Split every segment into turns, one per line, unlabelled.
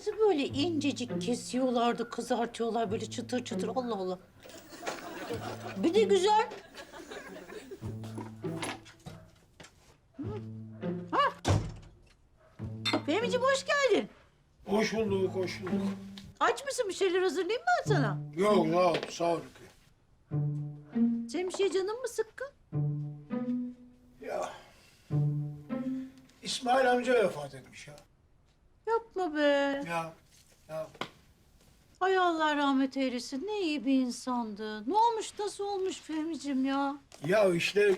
Nasıl böyle incecik kesiyorlardı, kızartıyorlar böyle çıtır çıtır. Allah Allah. Bir de güzel. Fehmi'ciğim hoş geldin.
Hoş bulduk, hoş bulduk.
Aç mısın? Bir şeyler hazırlayayım ben sana.
Yok, sağ ol Rukiye.
Senin bir şey canın mı sıkkın?
Ya, İsmail amca vefat etmiş ya.
Yapma be.
Ya,
Ay Allah rahmet eylesin. Ne iyi bir insandı. Ne olmuş, nasıl olmuş Fehmi'ciğim ya?
ya işte...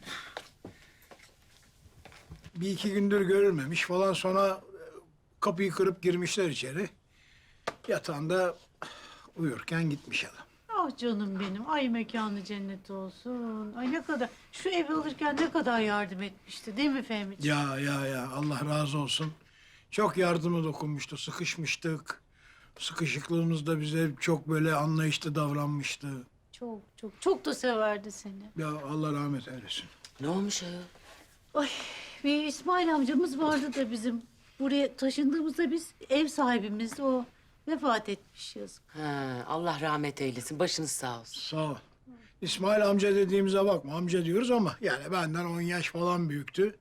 Bir iki gündür görülmemiş falan, sonra kapıyı kırıp girmişler içeri. Yatağında uyurken gitmiş adam.
Ah canım benim. Ay mekanı cennet olsun. Ay ne kadar, şu evi alırken ne kadar yardım etmişti değil mi Fehmi'ciğim?
Ya, Allah razı olsun. Çok yardımı dokunmuştu, sıkışmıştık. Sıkışıklığımız da bize çok böyle anlayışlı davranmıştı.
Çok da severdi seni.
Ya Allah rahmet eylesin.
Ne olmuş ayol?
Ay bir İsmail amcamız vardı da bizim. Buraya taşındığımızda biz ev sahibimiz o. Vefat etmiş yazık.
Ha, Allah rahmet eylesin. Başınız sağ olsun.
Sağ ol. İsmail amca dediğimize bakma, amca diyoruz ama yani benden 10 yaş falan büyüktü.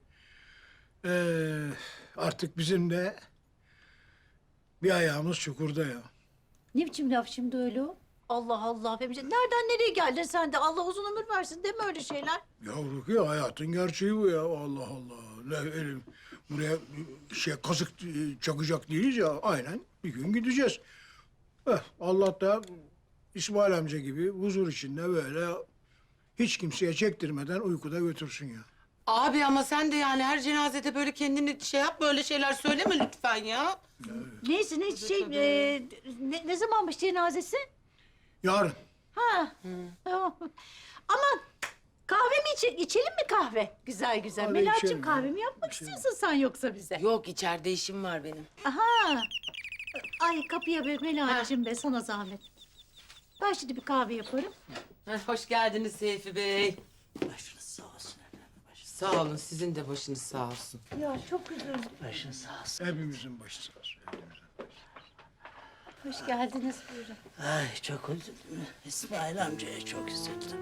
Artık bizim de bir ayağımız çukurda ya.
Ne biçim laf şimdi öyle o? Allah Allah Fehmi'ciğim. Nereden nereye geldin sen de? Allah uzun ömür versin deme öyle şeyler.
Ya Rukiye, hayatın gerçeği bu ya. Allah Allah. Buraya kazık çakacak değiliz ya. Aynen bir gün gideceğiz. Allah da İsmail amca gibi huzur içinde böyle hiç kimseye çektirmeden uykuda götürsün ya.
Abi ama sen de yani her cenazede böyle kendini şey yapma, öyle şeyler söyleme lütfen ya.
Neyse ne zamanmış cenazesi?
Yarın.
Ha. Tamam. Aman kahve mi içelim mi kahve? Güzel güzel.
Kahve
Melahat'cığım
içelim
kahve
ya.
mi yapmak
İçelim.
istiyorsun sen yoksa bize?
Yok, içeride işim var benim.
Aha. Ay kapıya be Melahat'cığım be sana zahmet. Ben şimdi bir kahve yaparım.
Hoş geldiniz Seyfi Bey.
Başınız sağ olsun efendim. Başınız,
Sağ olun, sizin de başınız sağ olsun.
Ya çok üzüldüm.
başınız sağ olsun.
Hepimizin başı sağ olsun. hepimizin.
Hoş geldiniz buyurun.
Ay çok üzüldüm. İsmail amcaya çok üzüldüm.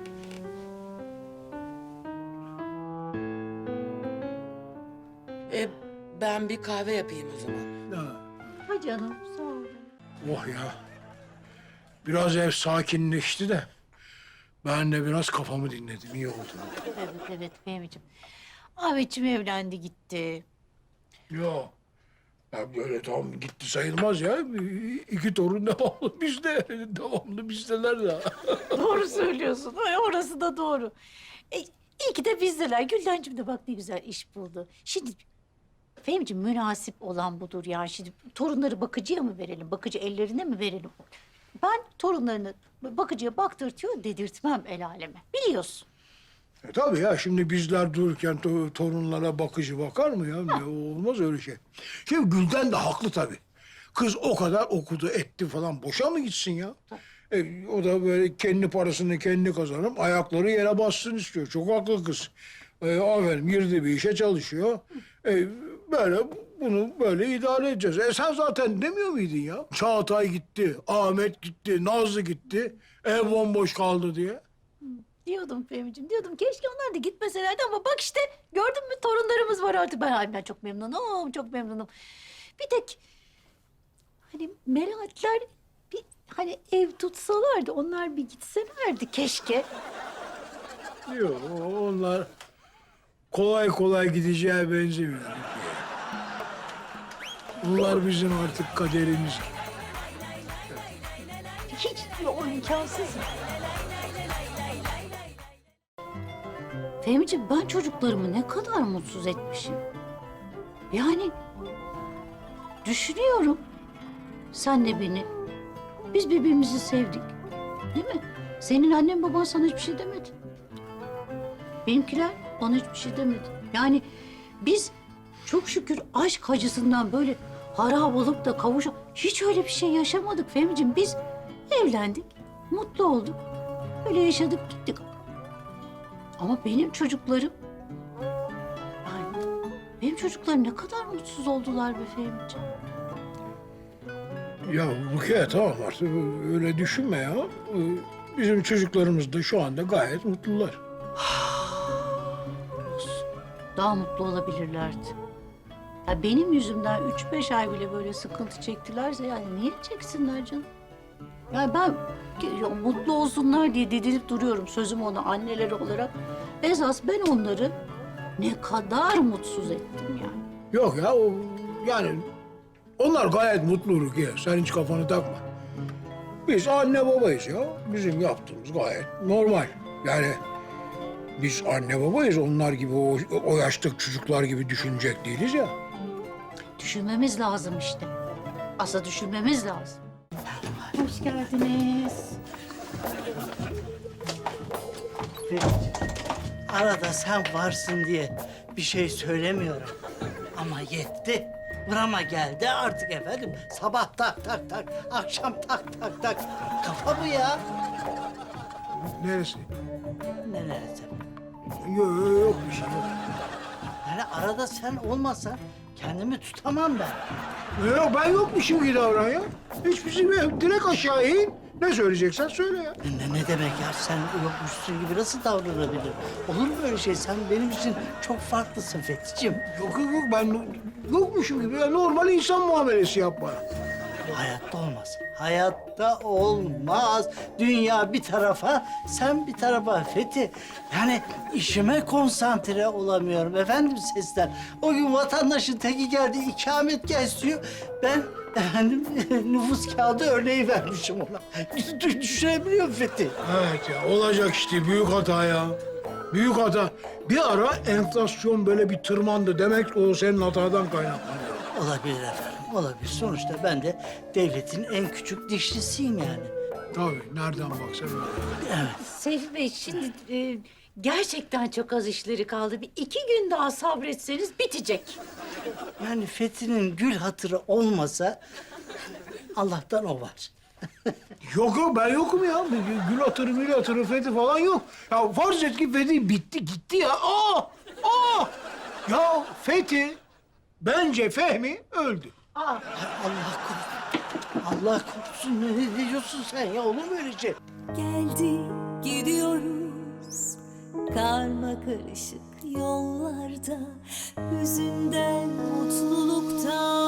Ben bir kahve yapayım o zaman.
Ha,
Ha canım sağ ol.
oh ya. Biraz ev sakinleşti de ben de biraz kafamı dinledim. İyi oldu.
Evet Fehmi'ciğim. Ahmetciğim evlendi gitti.
Yok. Ya böyle tam gitti sayılmaz ya. İki torun devamlı bizde. Devamlı bizdeler de.
Doğru söylüyorsun. Ay, orası da doğru. İyi ki de bizdeler. Güldencim de bak ne güzel iş buldu. Şimdi Fehmi'ciğim münasip olan budur yani. Şimdi torunları bakıcıya mı verelim? Bakıcı ellerine mi verelim? Ben torunlarını bakıcıya baktırtıyor dedirtmem el aleme. Biliyorsun.
Tabii ya, şimdi bizler dururken torunlara bakıcı bakar mı ya? Ya olmaz öyle şey. Şimdi Gülden de haklı tabii. Kız o kadar okudu etti falan, boşa mı gitsin ya? O da böyle kendi parasını kendi kazanıp ayakları yere bassın istiyor. Çok haklı kız. Aferin, girdi bir işe çalışıyor. Böyle bunu böyle idare edeceğiz. Sen zaten demiyor muydun ya? Çağatay gitti, Ahmet gitti, Nazlı gitti. Ev bomboş kaldı diye.
Diyordum Fehmi'ciğim, diyordum keşke onlar da gitmeselerdi ama bak işte gördün mü torunlarımız var artık. Ben çok memnunum, çok memnunum. Bir tek hani Melahatler bir hani ev tutsalardı, onlar bir gitselerdi keşke.
Yok, onlar kolay kolay gideceğe benzemiyor. Bunlar bizim artık kaderimiz gibi.
Hiç o imkansız. Fehmi'ciğim ben çocuklarımı ne kadar mutsuz etmişim. Yani düşünüyorum. Sen de beni. Biz birbirimizi sevdik. Değil mi? Senin annen baban sana hiçbir şey demedi. Benimkiler bana hiçbir şey demedi. Yani biz çok şükür aşk acısından böyle harap olup da hiç öyle bir şey yaşamadık Fehmi'ciğim. Biz evlendik, mutlu olduk. Öyle yaşadık gittik. Ama benim çocuklarım... Yani benim çocuklarım ne kadar mutsuz oldular be Fehmi'ciğim.
Ya Rukiye tamam artık öyle düşünme ya. Bizim çocuklarımız da şu anda gayet mutlular.
Daha mutlu olabilirlerdi. Ya benim yüzümden 3-5 ay bile böyle sıkıntı çektilerse yani niye çeksinler canım? Yani ben ya, mutlu olsunlar diye didinip duruyorum sözüm ona anneleri olarak. Esas ben onları ne kadar mutsuz ettim yani.
Yok ya yani onlar gayet mutlu Rukiye. Sen hiç kafanı takma. Biz anne babayız ya. Bizim yaptığımız gayet normal. Yani biz anne babayız. Onlar gibi o yaştaki çocuklar gibi düşünecek değiliz ya.
Düşünmemiz lazım işte. Asla düşünmemiz lazım. Hoş geldiniz.
Arada sen varsın diye bir şey söylemiyorum. Ama yetti. Burama geldi artık efendim. Sabah tak tak tak, akşam tak tak tak. Kafa bu ya.
Neresi?
Ne neresi?
Yok bir şey yok.
Yani arada sen olmasan kendimi tutamam ben.
Yok ben yokmuşum gibi davran ya. Hiçbir şey yok. Direkt aşağı in. Ne söyleyeceksen söyle ya.
Ne demek ya? Sen yokmuşsun gibi nasıl davranabilir? Olur mu öyle şey? Sen benim için çok farklısın Fethi'ciğim.
Yok ben yokmuşum gibi. Ya, normal insan muamelesi yap bana.
Hayatta olmaz. Hayatta olmaz. Dünya bir tarafa, sen bir tarafa Fethi. Yani işime konsantre olamıyorum efendim sesler. O gün vatandaşın teki geldi, ikametgah istiyor. Ben efendim nüfus kağıdı örneği vermişim ona. Düşünebiliyor musun Fethi?
Evet ya olacak işte büyük hata ya. Büyük hata. Bir ara enflasyon böyle bir tırmandı. Demek o senin hatadan kaynaklanıyor.
Olabilir efendim, olabilir. Sonuçta ben de devletin en küçük dişlisiyim yani.
Tabii nereden baksan öyle.
Evet.
Seyfi Bey şimdi gerçekten çok az işleri kaldı. Bir 2 gün daha sabretseniz bitecek.
Yani Fethi'nin gül hatırı olmasa Allah'tan o var.
Yok ben yokum ya. Gül atırı, Fethi falan yok. Ya farz et ki Fethi bitti gitti ya. Ya Fethi bence Fehmi öldü.
Allah korusun. Allah korusun. Ne diyorsun sen ya? Olur mu öyle şey?
Geldi gidiyoruz karma karışık yollarda, hüzünden mutluluktan